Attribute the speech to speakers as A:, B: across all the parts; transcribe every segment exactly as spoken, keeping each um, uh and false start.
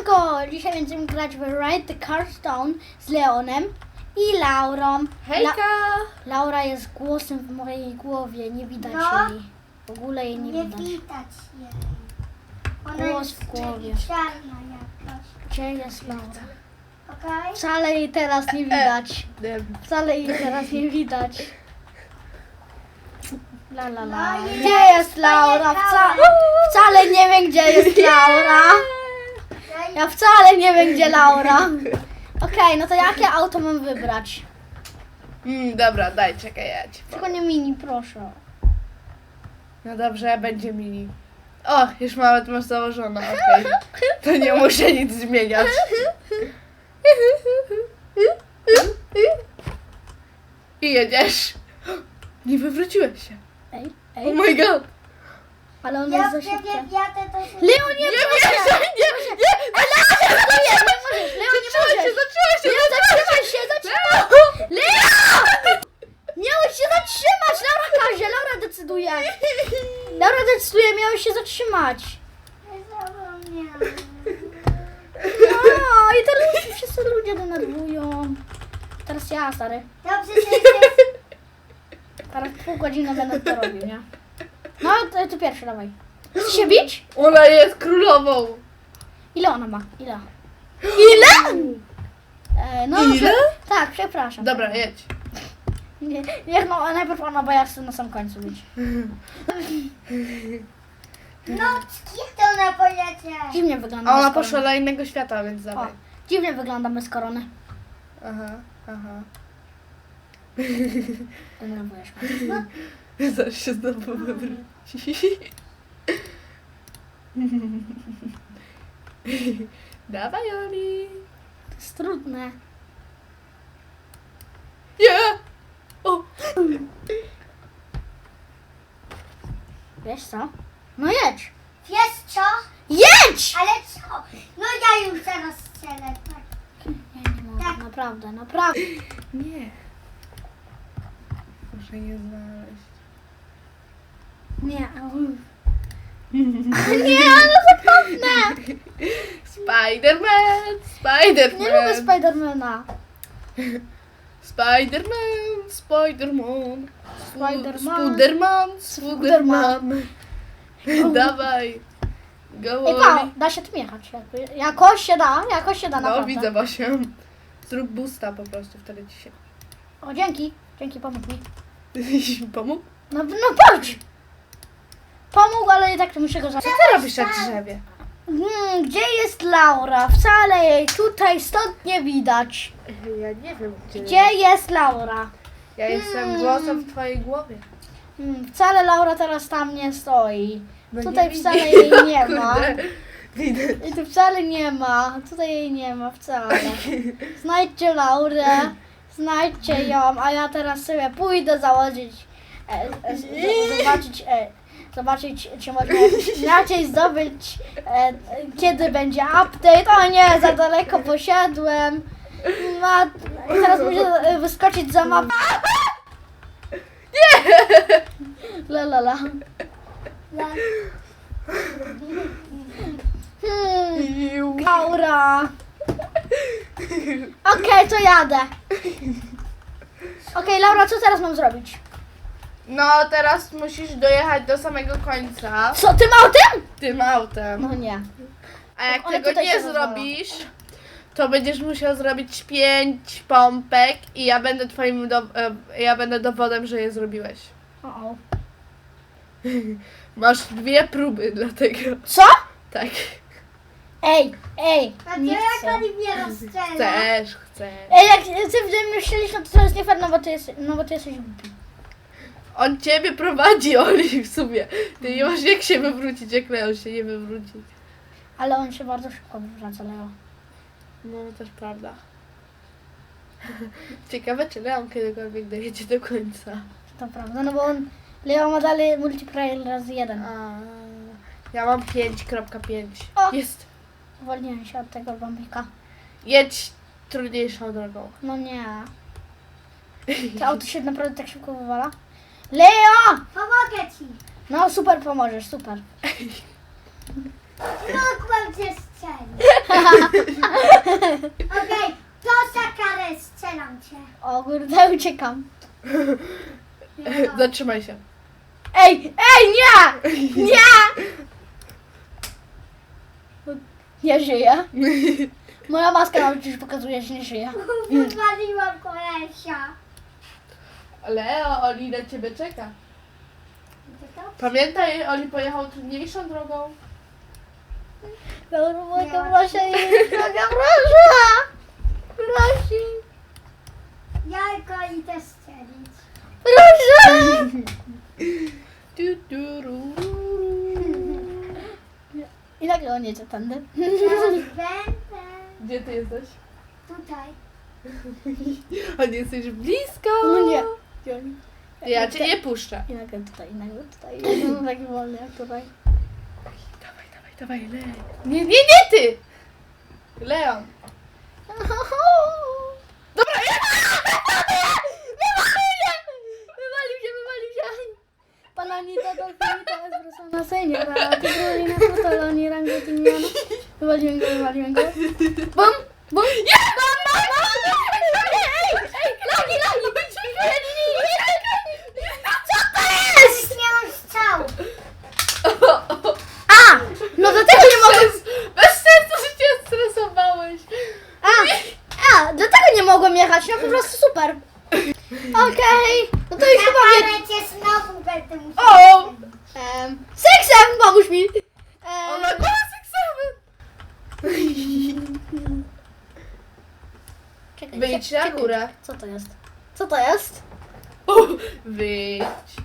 A: Siemanko! Dzisiaj będziemy grać w Ride the Carstone z Leonem i Laurą.
B: Hejka!
A: La Laura jest głosem w mojej głowie, nie widać
C: No.
A: jej. W ogóle jej nie,
C: Nie
A: widać.
C: widać jej. Ona
A: Głos
C: jest
A: w głowie.
C: czarna jakaś.
A: Gdzie jest Laura?
C: Okej?
A: Wcale jej teraz nie widać. Wcale jej teraz nie widać. La la la.
C: No i
A: Gdzie
C: ja
A: jest Laura? Wca
C: pojechałem.
A: wcale nie wiem, gdzie jest Laura. Ja wcale nie wiem, gdzie Laura. Okej, no to jakie auto mam wybrać?
B: Mm, dobra, daj, czekaj, ja ci
A: Tylko
B: powiem.
A: nie mini, proszę.
B: No dobrze, będzie mini. O, już nawet masz założone, okej. To nie muszę nic zmieniać. I jedziesz. Nie wywróciłeś się.
A: Ej,
B: Oh
A: ej,
B: my god.
A: ale on
C: Ja
A: jest za
C: wtedy
A: szybki.
C: wjadę to się...
A: Leon, nie,
B: Nie
A: proszę!
B: wierzę, nie, nie.
A: Nie, nie możesz, Leon, nie
B: Zatrzymaj się,
A: możesz!
B: zatrzymaj się,
A: Leon, zatrzymaj się, zatrzymaj! Leon! Miałeś się zatrzymać! Laura każe, Laura decyduje! Laura decyduje, miałeś się zatrzymać!
C: Zapomniałam.
A: No i teraz się wszyscy ludzie denerwują. Teraz ja, stary.
C: Dobrze, że jest...
A: Teraz pół godziny będę to robił, nie? No, to, ty pierwszy, dawaj. Chcesz się bić?
B: Ona jest królową.
A: Ile ona ma? Ile? Ile? E, no,
B: Ile?
A: prze- Tak, przepraszam.
B: Dobra, jedź.
A: Nie, niech no, najpierw ona, bo ja chcę na sam końcu być.
C: No, jak to ona polecie?
A: Dziwnie wygląda
B: A ona
A: bez korony.
B: poszła do innego świata, więc
A: O,
B: dawaj.
A: dziwnie wygląda bez korony.
B: Aha, aha.
A: Denerwujesz mnie.
B: Zaraz się znowu wywróci. Dawaj, Oli.
A: To jest trudne.
B: Nie! O!
A: Wiesz co? No jedź!
C: Wiesz co?
A: Jedź!
C: Ale co? No ja już zaraz strzelę. Tak.
A: Nie, nie mogę, naprawdę, naprawdę.
B: Nie. Muszę je znaleźć.
A: Nie, nie, ale zapomnę!
B: Spiderman! Spiderman!
A: Nie lubię Spidermana.
B: Spiderman! Spiderman!
A: Spiderman.
B: Spiderman! Spiderman! Dawaj! Go,
A: Ej, pa,
B: Oli.
A: da się tym jechać. jakby. Jakoś się da, jakoś się da,
B: No,
A: naprawdę.
B: widzę właśnie. Zrób boosta po prostu, wtedy ci się...
A: O, dzięki. Dzięki, pomógł mi.
B: Pomógł?
A: No, no patrz! Pomógł, ale i tak muszę go zacząć.
B: Co ty robisz na drzewie?
A: Hmm, gdzie jest Laura? Wcale jej tutaj stąd nie widać.
B: Ja nie wiem, gdzie...
A: Gdzie jest Laura?
B: Ja jestem
A: Hmm.
B: głosem w twojej głowie.
A: Hmm, wcale Laura teraz tam nie stoi.
B: No
A: Tutaj
B: nie
A: wcale
B: widzę.
A: jej nie ma.
B: Kurde, widać.
A: I tu wcale nie ma. Tutaj jej nie ma wcale. Znajdźcie Laurę. Znajdźcie ją, a ja teraz sobie pójdę założyć. E, e, z- zobaczyć. E, Zobaczyć, czy można jakoś inaczej zdobyć, e, e, kiedy będzie update. O nie, za daleko poszedłem. Ma, i teraz muszę e, wyskoczyć za mapę. Nie! La la la.
C: Ja...
A: Hmm, Laura. Okej, to jadę. Okej, Laura, co teraz mam zrobić?
B: No, teraz musisz dojechać do samego końca
A: Co, tym autem?
B: tym autem.
A: No nie.
B: A jak
A: one
B: tego
A: tutaj
B: nie
A: się rozwalą.
B: zrobisz, to będziesz musiał zrobić pięć pompek i ja będę twoim do, e, ja będę dowodem, że je zrobiłeś.
A: O, o.
B: Masz dwie próby dlatego.
A: Co?
B: Tak.
A: Ej, ej,
C: A to
A: nie
C: jak
A: chcę.
C: oni mnie rozstrzela?
B: Chcesz, chcesz.
A: Ej, jak ty we mnie strzelisz, no to to jest nie fair, no bo ty, jest, no bo ty jesteś głupi.
B: On ciebie prowadzi, Oli, w sumie. Ty nie masz jak się wywrócić, jak Leon się nie wywróci.
A: Ale on się bardzo szybko wywraca, Leo.
B: No, też prawda. Ciekawe, czy Leon kiedykolwiek dojedzie do końca.
A: To prawda, no bo on, Leo ma dalej multiplayer razy jeden.
B: A, ja mam pięć kropka pięć.
A: O!
B: Jest.
A: Uwolniłem się od tego bombika.
B: Jedź trudniejszą drogą.
A: No nie. To auto się naprawdę tak szybko wywala. Leo!
C: Pomogę ci.
A: No super pomożesz, super.
C: Mogłam cię strzelić. Okej, to za karę strzelam cię.
A: O kurde, uciekam.
B: Zatrzymaj się.
A: Ej, ej, nie! Nie! Nie żyję. Moja maska nam przecież pokazuje, że nie żyje.
C: Wywaliłam kolesia.
B: Leo, Oli na ciebie czeka.
C: Gdzie to?
B: Pamiętaj, Oli pojechał trudniejszą drogą.
A: Dobra, mogę proszę, droga, proszę! Prosi,
C: Ja go idę strzelić.
A: proszę!
B: Du, du, ru, ru.
A: I nagle on jedzie tędy.
C: Teraz będę
B: Gdzie ty jesteś?
C: tutaj.
B: A nie jesteś blisko.
A: No nie. Gdzie oni?
B: Ja cię nie puszczę.
A: I nagle tutaj, i nagle tutaj. Jestem taki wolny jak tutaj.
B: Dawaj, dawaj, dawaj, Leon. Nie, nie, nie ty! Leon. Dobra, ja...
A: Wywalił się! Wywalił się, wywalił się! Pananita do finita, espresso na seniora, tygrolina, frutoloni, rango timiano. Wywaliłem go, wywaliłem go. Bum! Bum!
B: Nie!
A: Bum, bum, bum! Ej, ej, ej! Lagi, lagi! Co to jest?
C: Nie mam strzał.
A: A! No dlatego nie mogłem...
B: Bez sensu, że cię stresowałeś.
A: A! A! Dlatego nie mogłem jechać, no po prostu super. Okej, no to już
C: Ja
A: chyba wie...
C: karę cię znowu będę musiał.
B: O!
A: Um, seksem, pomóż mi!
B: On
A: Um,
B: ma głos seksowy.
A: czekaj,
B: Wyjdź
A: czekaj,
B: na
A: czekaj.
B: górę.
A: Co to jest? Co to jest?
B: O, wyjdź.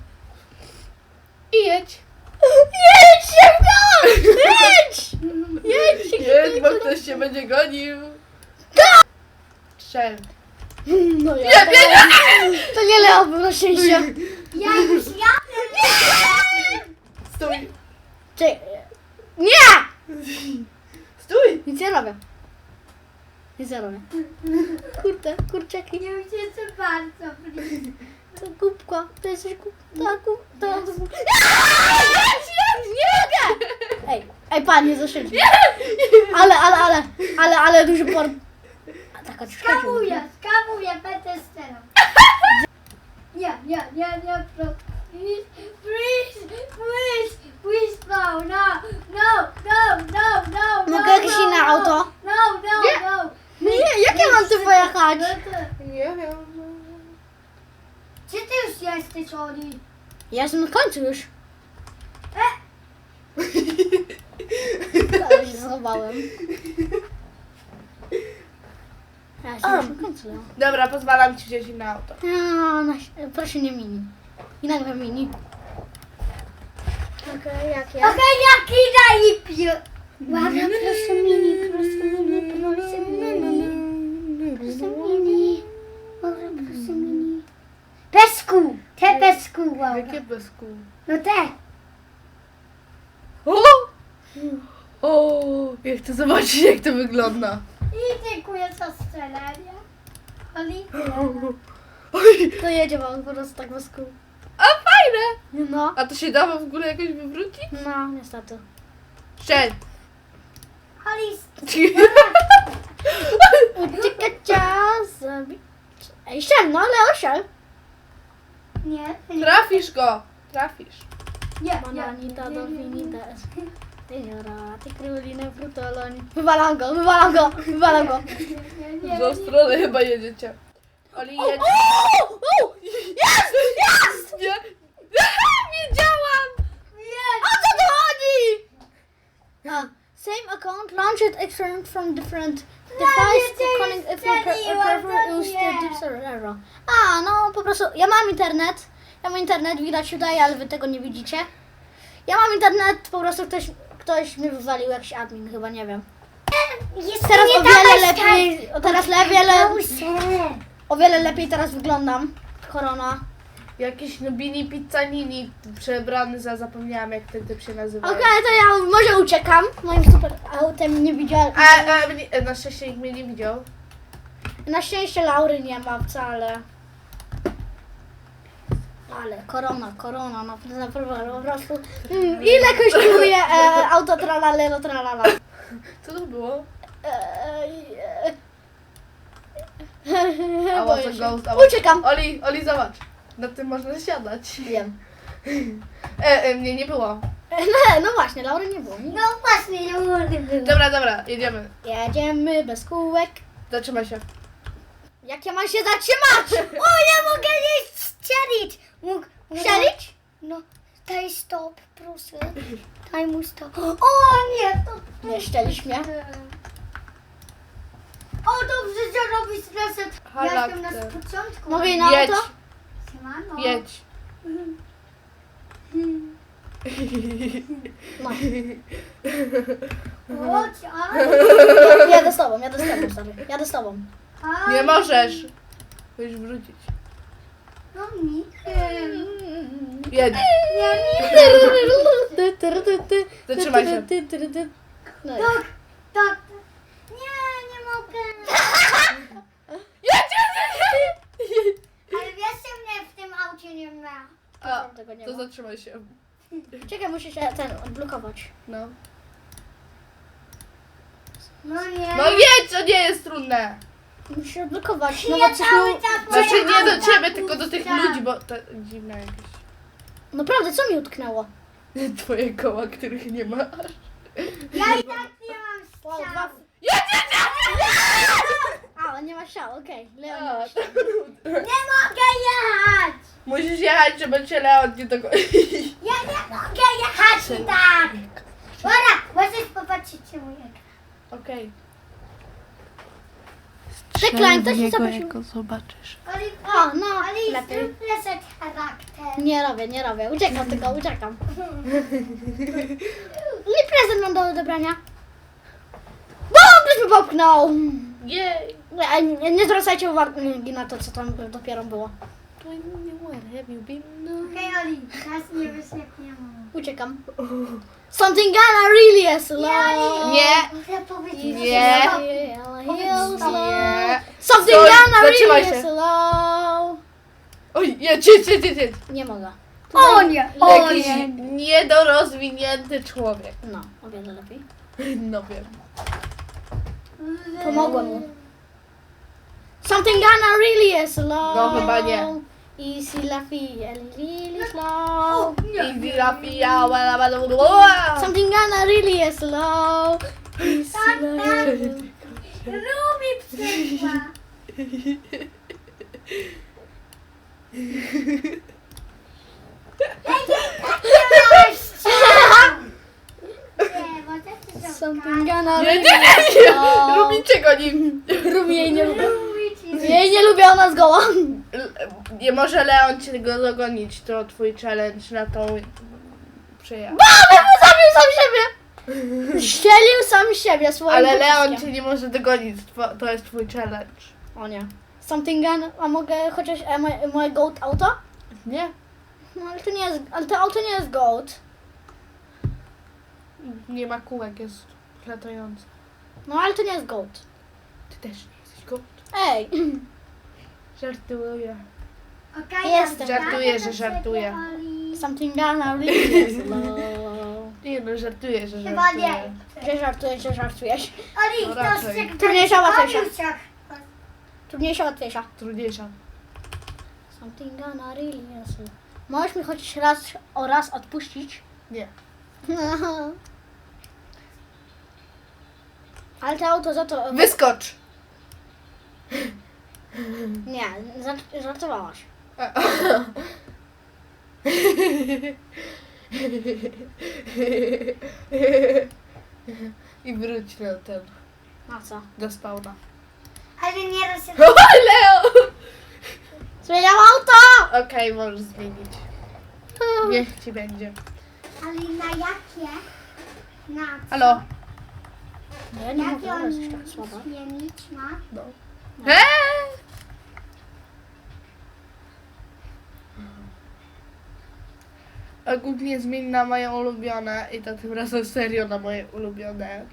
B: I jedź.
A: Jedź szybko! Jedź! Jedź!
B: Jedź, bo ktoś cię będzie gonił. Strzel.
A: No ja,
B: Nie,
A: to,
B: nie,
A: to nie Leo był na szczęście.
C: Ja już jadę.
B: Stój.
A: Czekaj. Nie!
B: Stój.
A: Nic nie robię. Nic nie robię. Kurde, kurczaki.
C: Nie ucieczę bardzo blisko.
A: To głupka, to jesteś głupka, to głupka, to głupka. Nie mogę! Ej, ej panie, zaszedł. Ale, ale, ale, ale, ale duży port. A taka czaszka.
C: Skamuję, skamuję, będę strzelał. Nie, nie, nie, nie, proszę. Please, please, please, please, no, no, no, no, no, no, no.
A: Mogę jakieś
C: no,
A: inne
C: no,
A: auto?
C: No, no,
B: Nie.
C: no.
A: Nie, jak ja mam tu pojechać?
C: No to-
B: Nie wiem.
C: Gdzie ty już jesteś, Oli?
A: Ja jestem na końcu już.
C: E,
A: Ale się schowałem. Ja jestem już na końcu. No.
B: Dobra, pozwalam ci wziąć inne auto.
A: A, na, proszę nie mini. I nagle mini. Okej, jak ja?
C: Okej, jaki najlepiej. Łaga, proszę mini, proszę mini, proszę mini. Proszę mini. Może proszę mini. Bez kół, te bez kół, Łaga.
B: Jakie bez kół?
C: No te.
B: O! O! Ja chcę zobaczyć, jak to wygląda.
C: I dziękuję za strzelanie. Oli?
B: Oj!
A: To jedzie wam po prostu tak bez kół.
B: A fajne!
A: No.
B: A to się da w ogóle jakoś wywrócić?
A: No, niestety.
B: Strzel!
C: Oli,
A: Uciekacia zabi... Ej, szel, no ale oszel.
C: nie.
B: Trafisz go! Trafisz.
C: Nie, nie,
A: Mananita
C: nie,
A: do
C: nie, nie, nie.
A: finitas. Seniora, ty królinę frutoloni. Wywalam go, wywalam go, wywalam go.
C: Nie, nie, nie,
B: W tą
C: nie.
B: stronę chyba jedziecie. Oli, jedź.
A: O, o, jest, jest!
B: Nie! Wiedziałam!
A: O co tu chodzi? Uh, same account, launch it external from different device
C: cię
A: to connect if you pre-
C: strzeliłam,
A: prefer
C: to
A: use
C: nie.
A: the deep server. A, no po prostu, ja mam internet, ja mam internet, widać tutaj, ale wy tego nie widzicie. Ja mam internet, po prostu ktoś, ktoś mi wywalił jakiś admin, chyba, nie wiem.
C: Jest
A: Teraz
C: nie
A: o wiele
C: dawaj
A: lepiej, o teraz le, wiele,
C: Proszę.
A: o wiele lepiej teraz wyglądam. Korona.
B: Jakiś Nubini Pizzanini przebrany za, zapomniałam jak ten typ się nazywa.
A: Okej, to ja może uciekam, moim super autem nie widziałem.
B: A, a mnie, na szczęście nikt mnie nie widział.
A: Na szczęście Laury nie ma wcale. Ale korona, korona, no naprawdę po prostu. Mm, ile kosztuje e, auto tralalelo tralala?
B: Co to było?
A: E,
B: A
A: Boję
B: może
A: się.
B: ghost, a może-
A: Uciekam.
B: Oli, Oli, zobacz. Na tym można siadać.
A: Wiem.
B: E, e, mnie nie było.
A: No, no właśnie, Laury nie było.
C: No właśnie, nie mogę było.
B: Dobra, dobra, jedziemy.
A: Jedziemy bez kółek.
B: Zatrzymaj się.
A: Jak ja mam się zatrzymać?
C: O, nie mogę nie strzelić. Mógł
A: Strzelić?
C: No, daj stop, proszę. Daj mu stop. O nie, to...
A: Nie szczelisz mnie.
C: O, dobrze, że robisz reset. Ja jestem na
B: Charakter.
C: początku.
A: Mówię na
B: Jedź,
A: auto?
C: Siemano.
B: jedź.
A: No.
C: Chodź, a?
A: Jadę z tobą, jadę z tobą, stary. Jadę z tobą.
C: a?
B: Nie możesz. Musisz wrócić.
C: No nie.
B: Jedź. Zatrzymaj się.
A: No i-
C: Tak, tak. Nie, nie mogę.
B: Jedź, jedź, jedź, jedź.
C: Ale wiesz, że mnie w tym aucie nie ma.
B: A,
A: Tego nie
B: to
A: ma.
B: zatrzymaj się.
A: Czekaj, muszę się ten odblokować.
B: No.
C: No nie.
B: No jedź, to nie jest trudne.
A: Muszę się odblokować. No
C: Ja
A: bo coś
C: cały
A: mi...
C: czas
B: Znaczy
C: moje
B: nie do
C: auta
B: ciebie, tylko do tych
C: puszczam.
B: ludzi, bo to dziwne jakieś.
A: Naprawdę, co mi utknęło?
B: Twoje koła, których nie ma.
C: Ja i tak nie mam
A: Wow, dwa...
C: strzał.
B: Jedź, jedź,
A: A, nie ma siał, okej. Leo nie
B: jedź.
A: ma siał.
C: Nie mogę jechać.
B: Musisz jechać, żeby cię Leon nie dogonił.
C: Ja nie mogę jechać i tak. Dobra, możesz popatrzeć się mój ekran.
B: Okej.
A: Deklan, to się zobaczył.
B: jak go zobaczysz.
C: Oliwka,
A: O, no,
C: Oli,
A: lepiej.
C: zrób reset charakter.
A: Nie robię, nie robię. Uciekam tylko, uciekam. Nie prezent mam do odebrania. Bum, ktoś mi popchnął.
B: Jej.
A: Nie, nie, nie zwracajcie uwagi na to, co tam dopiero było.
C: Okej, Oli, teraz nie wyślepniemy.
A: Uciekam. Something gonna really is slow.
B: Nie.
C: Muszę powiedzieć,
B: Nie.
C: że stop.
B: Nie.
A: Something
B: Stój,
A: gonna
B: zatrzymaj
A: really
B: się.
A: slow.
B: Oj, jedź, jedź, jedź, jedź, jedź.
A: Nie mogę.
C: O nie, o
B: Jakiś
C: nie.
B: niedorozwinięty człowiek.
A: No, o wiele lepiej.
B: No wiem.
A: Pomogłem mu. Something gonna really is slow.
B: No, chyba nie.
A: Easy laffy, really slow.
B: I grafia, wala, wala, wala.
A: Something gonna really is slow. Easy
C: Tak, tak.
A: laffy.
C: Rubi przyszła. Nie, może ty to
A: Something gonna
B: Nie, nie,
A: really
B: nie,
A: is
B: nie.
A: slow.
B: Lubicie go nim.
A: Rubi jej nie lubię.
C: Rubi ci.
A: Jej nie lubię, ona zgoła.
B: Nie może Leon cię go dogonić, to twój challenge na tą przyjazd.
A: Zabił sam siebie. Ścielił sam siebie swoim
B: Ale Leon
A: pociskiem.
B: cię nie może dogonić, tw- to jest twój challenge.
A: O nie. Something gun, a mogę chociaż e, moje, moje goat auto?
B: Nie?
A: No ale to nie jest, ale to auto nie jest goat.
B: Nie ma kółek, jest latający.
A: No ale to nie jest goat.
B: Ty też nie jesteś go.
A: Ej.
B: Żartuję.
C: Okej,
A: Jestem.
C: ja
B: Żartuję,
C: znajdę
B: że
C: do
B: żartuję.
C: ciebie, Oli.
A: Something gonna really is low.
B: Nie no, żartuję, że
C: Chyba
B: żartuję.
C: nie.
A: Że żartujesz, że żartujesz.
C: Oli,
B: No
C: to
B: raczej.
C: się
A: Trudniejsza, łatwiejsza.
C: Oliusiak.
A: Trudniejsza, łatwiejsza.
B: Trudniejsza.
A: Something gonna really is low. Możesz mi chociaż raz o raz odpuścić?
B: Nie.
A: Ale to auto za to...
B: Wyskocz!
A: Nie, żart- żartowałaś.
B: I wróć na ten,
A: Na co?
B: do spawna.
C: Ale nie raz się...
B: O, Leo!
A: Zmieniam auto!
B: Okej, możesz zmienić. Niech ci będzie.
C: Ale na jakie? Na co?
B: Halo?
A: Ja nie
C: Jakie
A: mogę, ale jest
C: on
A: tak słaba.
C: zmienić ma?
B: No. Hej! Ogólnie zmień na moje ulubione i to tym razem serio na moje ulubione.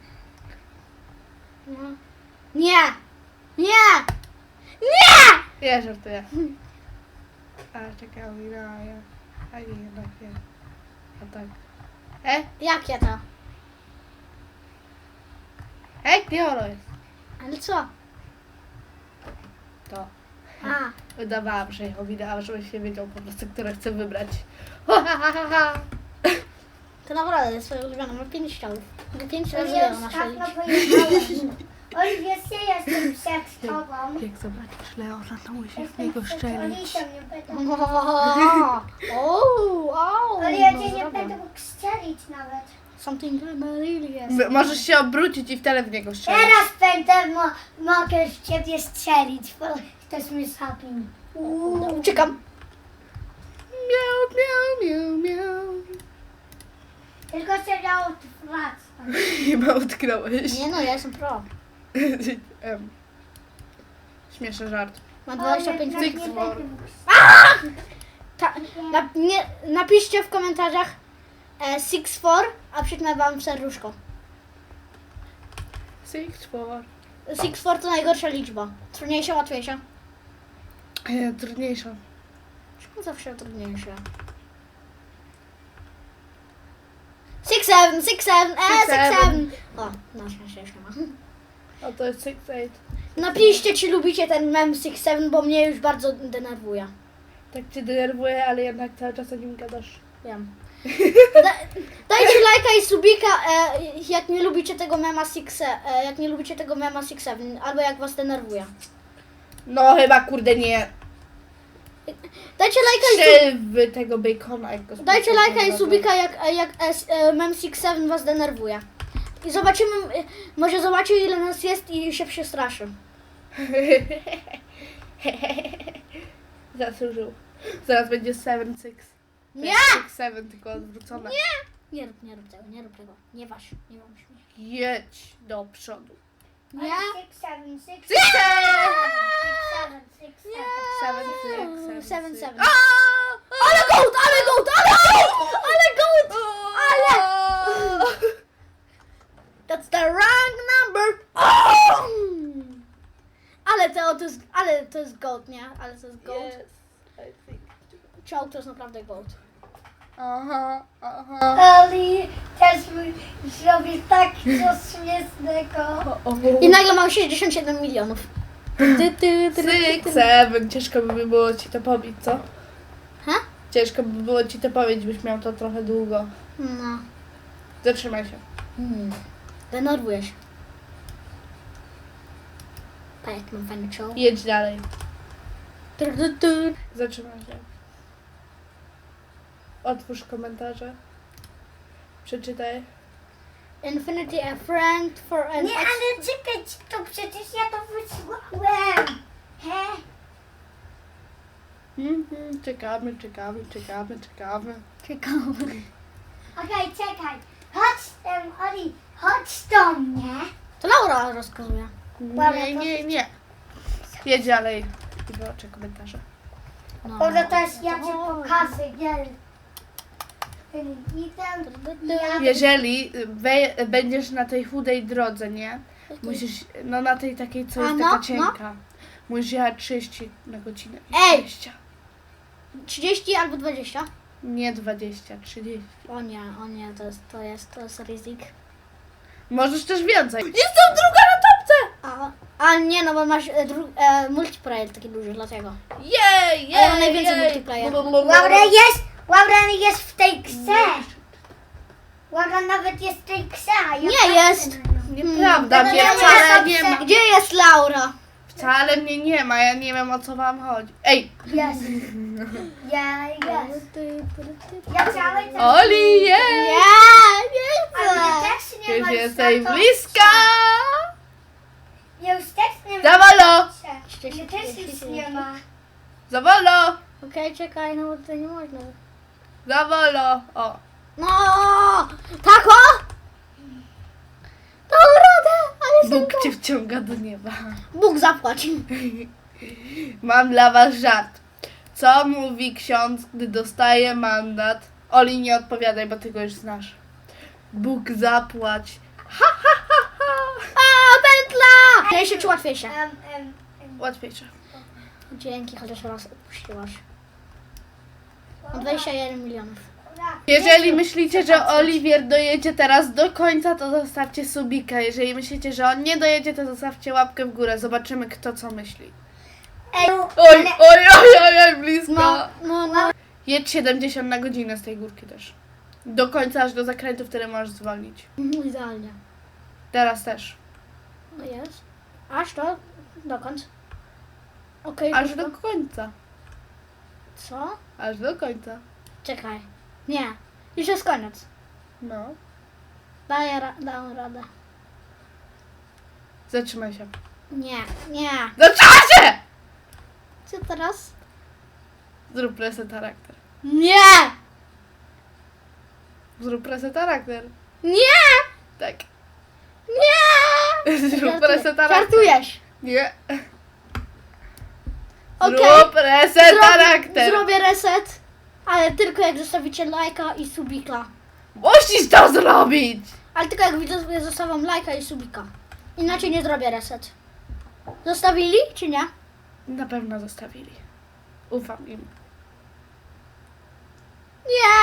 A: Nie! Nie! Nie!
B: Ja żartuję. A czekaj, mi na ja. A nie, jednak nie. A tak. E?
A: Jakie to?
B: E, gdzie ono jest?
A: Ale co?
B: To.
A: A,
B: Wydawałam, że ją widałam, żebyś nie wiedział po prostu, które chcę wybrać.
A: to naprawdę jest swoje ulubione. Ma pięć ciałów. Pięć
C: To
A: razy
C: ja
A: ją
C: już
A: na
C: tak
A: szyi.
C: napojechałem. Oliwia, ja jestem przed tobą.
B: Jak zobaczysz Leona, to musisz w
C: Jestem
B: niego
C: przed
B: szczelić.
C: Olisą, nie będę.
A: O, o,
C: Ale ja cię
A: no
C: nie
A: zrobię.
C: będę mógł strzelić nawet.
A: Something really jest.
B: M- Możesz się obrócić i wtedy w niego strzelić.
C: Teraz będę mo mogę w ciebie strzelić, bo ktoś mnie zabił.
A: No, uciekam.
B: Miau, miau, miau, miau.
C: Tylko się miało wracać.
B: Chyba utknąłeś.
A: Nie no, ja jestem pro.
B: Em, Śmieszny żart.
A: Mam dwadzieścia pięć
C: Ale
B: Six
C: nie
B: for.
C: będę mógł
A: Ta, na, nie, napiszcie w komentarzach e, six four, a przytnę wam serduszko.
B: Six, four.
A: six four to najgorsza liczba. Trudniejsza, łatwiejsza.
B: E, Trudniejsza.
A: Czemu zawsze trudniejsza? six seven, six seven, e,
B: Six,
A: six
B: seven.
A: seven. O, na szczęście jeszcze ma.
B: A to jest six, eight.
A: Napiszcie, czy lubicie ten mem six seven, bo mnie już bardzo denerwuje.
B: Tak cię denerwuje, ale jednak cały czas o nim gadasz.
A: Wiem. Da, dajcie lajka i subika, e, jak nie lubicie tego mema six, e, jak nie lubicie tego mema six seven, albo jak was denerwuje.
B: No chyba kurde nie.
A: Dajcie lajka i subika.
B: Strzel w tego bacona, jak go
A: Dajcie
B: spotkam,
A: lajka i
B: dobra.
A: subika, jak, jak e, e, mem six seven was denerwuje. I zobaczymy, e, może zobaczy ile nas jest i się przestraszy.
B: Zasłużył. Zaraz będzie seven, six.
A: Nie!
B: six, seven, tylko odwrócone.
A: Nie! Nie rób, nie rób tego, nie rób tego. Nie waż, nie waż mnie.
B: Jedź do przodu.
A: Nie?
C: Six, seven, six,
B: Six, seven!
C: seven, six, seven.
B: Seven, six, seven,
A: Seven,
B: six.
A: seven.
B: Aaa!
A: Ale gołd, ale gołd, ale gołd! Ale gołd! Ale! That's the wrong number! Oh! Ale to, to jest, ale to jest gold, nie? Ale to jest gold.
B: Yes, I think.
A: Czołg to jest naprawdę gold.
B: Aha, aha.
C: Oli, też mi zrobisz tak coś śmiesznego.
A: I nagle mam sześćdziesiąt siedem milionów. Ty, ty, ty, ty,
B: Six,
A: ty.
B: seven. Ciężko by było ci to pobić, co?
A: Ha?
B: Ciężko by było ci to powiedzieć, byś miał to trochę długo.
A: No.
B: Zatrzymaj się.
A: Hmm. Denerwuję się. Pa, jak mam fajny czołg.
B: Jedź dalej.
A: Tur, tur, tur.
B: Zatrzymaj się. Otwórz komentarze. Przeczytaj.
A: Infinity a friend for an
C: Nie,
A: ex-
C: ale czekaj, to przecież ja to wysłałem. He?
B: Mhm, czekamy, czekamy, czekamy, czekamy.
A: Ciekawe.
C: Okej, czekaj. Chodź, um, Oli, chodź do mnie.
A: To Laura rozkazuje.
B: Nie, nie, nie. Jedź dalej. I wyłączę komentarze.
A: No.
C: Może też ja ci pokażę, gel. Idę. Ja
B: Jeżeli we, będziesz na tej chudej drodze, nie? Musisz, no na tej takiej, co
A: A,
B: jest
A: no,
B: taka cienka. Musisz jechać trzydzieści na godzinę.
A: Ej!
B: dwadzieścia.
A: trzydzieści albo dwadzieścia?
B: Nie dwadzieścia, trzydzieści.
A: O nie, o nie, to jest, to jest, to jest ryzyk.
B: Możesz też więcej. Jestem druga na topce!
A: A, a nie, no bo masz e, dru, e, multiplayer taki duży, dlatego.
B: Jej, jej,
A: A ja mam najwięcej multiplayer.
C: Laura jest, Laura jest w tej grze. Laura nawet jest w tej grze. a ja
A: Nie
C: patrzę
A: jest.
C: na nią.
B: Nieprawda,
C: No,
B: mnie
C: no, no,
B: wcale
C: no,
B: nie
C: no,
B: ma.
A: Gdzie jest Laura?
B: Wcale mnie nie ma, ja nie wiem o co wam chodzi. Ej!
C: Jest. Ja, jest. Ja cały czas...
B: Oli, jej!
A: Nie, nie
C: Ale ja
A: chcę.
C: też nie
B: Już
C: mam
B: jesteś
C: za to-
B: bliska!
C: Ja już też nie
B: Za
C: mam.
B: wolno!
C: Ja też nic nie ma.
B: Za wolno!
A: Okej, czekaj, no bo to nie można.
B: Za wolno! O!
A: No, tako? Dam radę, ale
B: Bóg cię wciąga do nieba.
A: Bóg zapłać.
B: Mam dla was żart. Co mówi ksiądz, gdy dostaje mandat? Oli, nie odpowiadaj, bo ty go już znasz. Bóg zapłać. Ha, ha, ha, ha.
A: A, pętla! Trudniejsze czy łatwiejsze?
C: Em, em, em.
B: Łatwiejsze.
A: Dzięki, chociaż raz odpuściłaś. Mam dwadzieścia jeden milionów.
C: Laura,
B: Jeżeli myślicie, że Oliwier dojedzie teraz do końca, to zostawcie subika. Jeżeli myślicie, że on nie dojedzie, to zostawcie łapkę w górę. Zobaczymy, kto co myśli.
C: Ej,
B: Oj, oj, oj, oj, oj, blisko.
A: No, no, no.
B: Jedź siedemdziesiąt na godzinę z tej górki też. Do końca, aż do zakrętu, wtedy możesz zwolnić.
A: Mhm, idealnie.
B: Teraz też.
A: No jest. Aż to? Dokąd? Okej,
B: Aż
A: krótko.
B: do końca.
A: Co?
B: Aż do końca.
A: Czekaj. Nie. Już jest koniec.
B: No.
A: Daję ra- dam radę.
B: Zatrzymaj się.
A: Nie, nie.
B: Zatrzymaj się!
A: Co teraz?
B: Zrób reset charakter.
A: Nie!
B: Zrób reset charakter.
A: Nie!
B: Tak.
A: Nie!
B: Zrób
A: Żartuję.
B: reset charakter.
A: Żartujesz.
B: Nie.
A: Okej.
B: Zrób reset charakter.
A: Zrobię reset, ale tylko jak zostawicie lajka i subika.
B: Musisz to zrobić.
A: Ale tylko jak widzowie zostawiam lajka i subika. Inaczej nie zrobię reset. Zostawili czy nie?
B: Na pewno zostawili. Ufam im.
A: Nie!